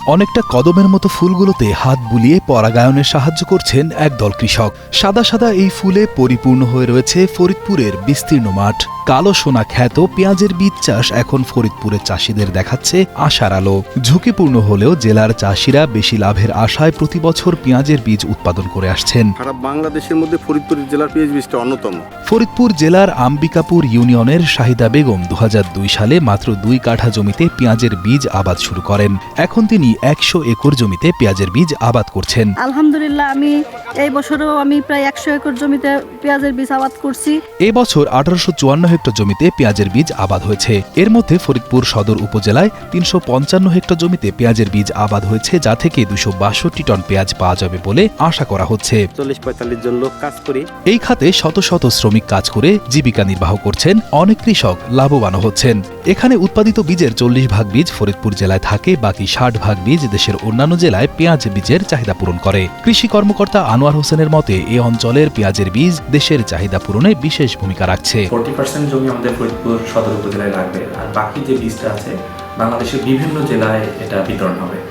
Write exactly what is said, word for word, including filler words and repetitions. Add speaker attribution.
Speaker 1: অনেকটা কদমের মতো ফুলগুলোতে হাত বুলিয়ে পরাগায়নে সাহায্য করছেন একদল কৃষক। সাদা সাদা এই ফুলে পরিপূর্ণ হয়ে রয়েছে ফরিদপুরের বিস্তীর্ণ মাঠ। কালো সোনা খ্যাত পেঁয়াজের বীজ চাষ এখন ফরিদপুরের চাষিদের দেখাচ্ছে আশার আলো। ঝুঁকিপূর্ণ হলেও জেলার চাষিরা বেশি লাভের আশায় প্রতি বছর পেঁয়াজের বীজ উৎপাদন করে আসছেন।
Speaker 2: সারা বাংলাদেশের মধ্যে ফরিদপুর জেলার পেঁয়াজ বীজটা অন্যতম।
Speaker 1: ফরিদপুর জেলার আম্বিকাপুর ইউনিয়নের শাহিদা বেগম দু হাজার দুই সালে মাত্র দুই কাঠা জমিতে পেঁয়াজের বীজ আবাদ শুরু করেন। এখন তিনি একশো একর জমিতে পেঁয়াজের বীজ আবাদ করছেন।
Speaker 3: আলহামদুলিল্লাহ, আমি এই বছরও আমি প্রায় একশো একর জমিতে পেঁয়াজের বীজ আবাদ করছি।
Speaker 1: এ বছর আঠারোশো চুয়ান্ন হেক্টর জমিতে পেঁয়াজের বীজ আবাদ হয়েছে। এর মধ্যে ফরিদপুর সদর উপজেলায় তিনশো পঞ্চান্ন হেক্টর জমিতে পেঁয়াজের বীজ আবাদ হয়েছে, যা থেকে দুশো বাষট্টি টন পেঁয়াজ পাওয়া যাবে বলে আশা করা হচ্ছে।
Speaker 4: চল্লিশ পঁয়তাল্লিশ জন লোক কাজ করি।
Speaker 1: এই খাতে শত শত শ্রমিক কাজ করে জীবিকা নির্বাহ করছেন। অনেক কৃষক লাভবানও হচ্ছেন। এখানে উৎপাদিত বীজের চল্লিশ ভাগ বীজ ফরিদপুর জেলায় থাকে, বাকি ষাট ভাগ বীজ দেশের অন্যান্য জেলায় পেঁয়াজ বীজের চাহিদা পূরণ করে। কৃষি কর্মকর্তা আনোয়ার হোসেনের মতে এ অঞ্চলের পেঁয়াজের বীজ দেশের চাহিদা পূরণে বিশেষ ভূমিকা রাখছে।
Speaker 5: ফোর্টি পার্সেন্ট জমি আমাদের ফরিদপুর সদর উপজেলায় লাগবে, আর বাকি যে বীজটা আছে বাংলাদেশের বিভিন্ন জেলায় এটা বিতরণ হবে।